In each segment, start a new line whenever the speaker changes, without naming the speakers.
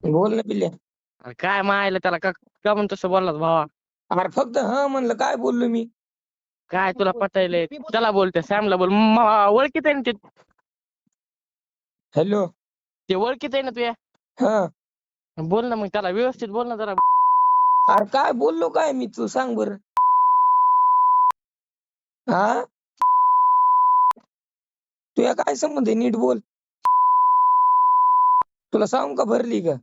बोल ना पिल्ल्या.
अरे काय मायला त्याला का का म्हणून तसं बोललास भावा?
अरे फक्त हा म्हणलं, काय बोललो मी?
काय तुला पटायलंय? त्याला बोलते सॅमला बोल. ओळखीत आहे ना ते.
हॅलो.
ते ओळखीत आहे ना तुया.
हा.
बोल ना मग त्याला व्यवस्थित बोल ना जरा.
अरे काय बोललो काय मी, तू सांग बर. हा, तुया काय संबंध आहे? नीट बोल. तुला सांगू का भरली का?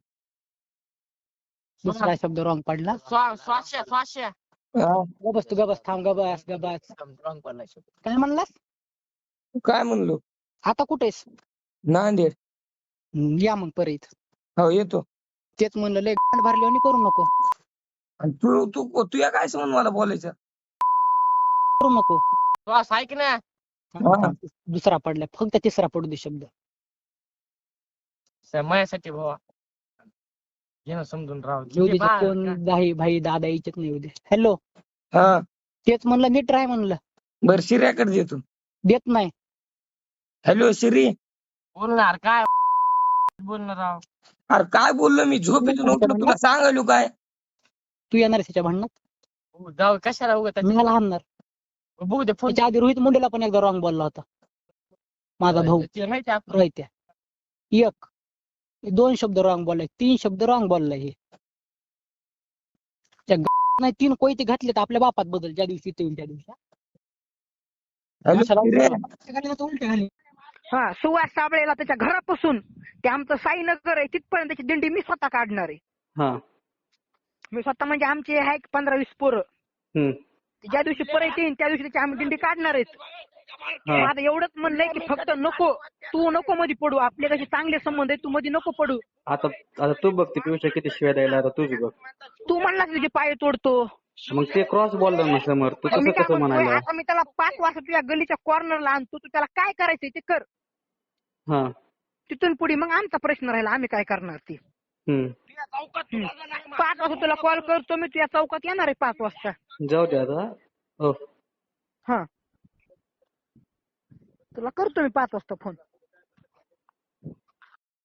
दुसरा शब्द रॉंग पडला.
स्वाश्या
हा,
गबस तू गबस थांब गबस गबस.
रॉंग पडला शब्द.
काय म्हणलास?
काय म्हणलो?
आता कुठेस?
नांदेड.
या मग परत.
हो येतो.
तेच म्हणलं लय गांड भरली आणि करू नको.
आणि तू तू तुया काय संबंध मला बोलायचं?
करू नको.
श्वास ऐक ना.
हा.
दुसरा पडला, फक्त तिसरा पडू दे शब्द.
माझ्यासाठी भावा घे ना समजून राव.
येऊ दे कोण भाई भाई दादा इच्छित नाही येऊ दे. हॅलो.
हा,
तेच म्हणलं नीट राह म्हणलं.
बर शिर्याकडे देतो.
देत नाही.
हॅलो शिरी.
बोलणार काय बोलणार राव.
अरे काय बोललो मी? झोपेतून उठलो, तुला सांगायलो काय?
तू येणार त्याच्या भांडणात?
जाऊ कशाला उगत
मी मला हाणणार.
बघू दे फोन.
त्याच्या आधी रोहित मुंडेला पण एकदा रॉंग बोलला होता माझा भाऊ.
माहिती आहे
रोहित्या. एक 2 शब्द रॉंग बोललाय, 3 शब्द रॉंग बोललाय. हे त्या नाही 3 कोयते घातले तर आपल्या बापात बदल ज्या दिवशी ते होईल त्या दिवशी.
हॅलो शिर्या.
उलटे घाली.
हा, सुवास साबळेला त्याच्या घरापासून ते आमचं साईनगर आहे तिथपर्यंत त्याची दिंडी मी स्वतः काढणार आहे.
हा.
मी स्वतः म्हणजे आमचे आहे 15-20 पोरं. ज्या दिवशी परत येईन त्या दिवशी त्याची आम्ही दिंडी काढणार आहेत. माझं एवढंच म्हणणं की फक्त नको, तू नको मध्ये पडू. आपले कसे चांगले संबंध आहेत, तू मध्ये नको पडू.
आता तू बघ ते पियुष किती शिवाय द्यायला, आता तुझी बघ.
तू म्हणलास तुझे पाय तोडतो.
मग ते क्रॉस बोलला ना समोर, तू
मी काय
कसं
म्हणतोय,
म्हणायला?
आता मी त्याला 5 वाजता तुझ्या गलीच्या कॉर्नरला आणतो. तू त्याला काय करायचंय ते कर.
हा.
तिथून पुढे मग आमचा प्रश्न राहिला, आम्ही काय करणार ते. 5 वाजता तुला कॉल करतो मी, तुझ्या चौकात येणार आहे 5 वाजता.
जाऊ दे आता. हो.
हा, तुला करतो मी 5 वाजता फोन.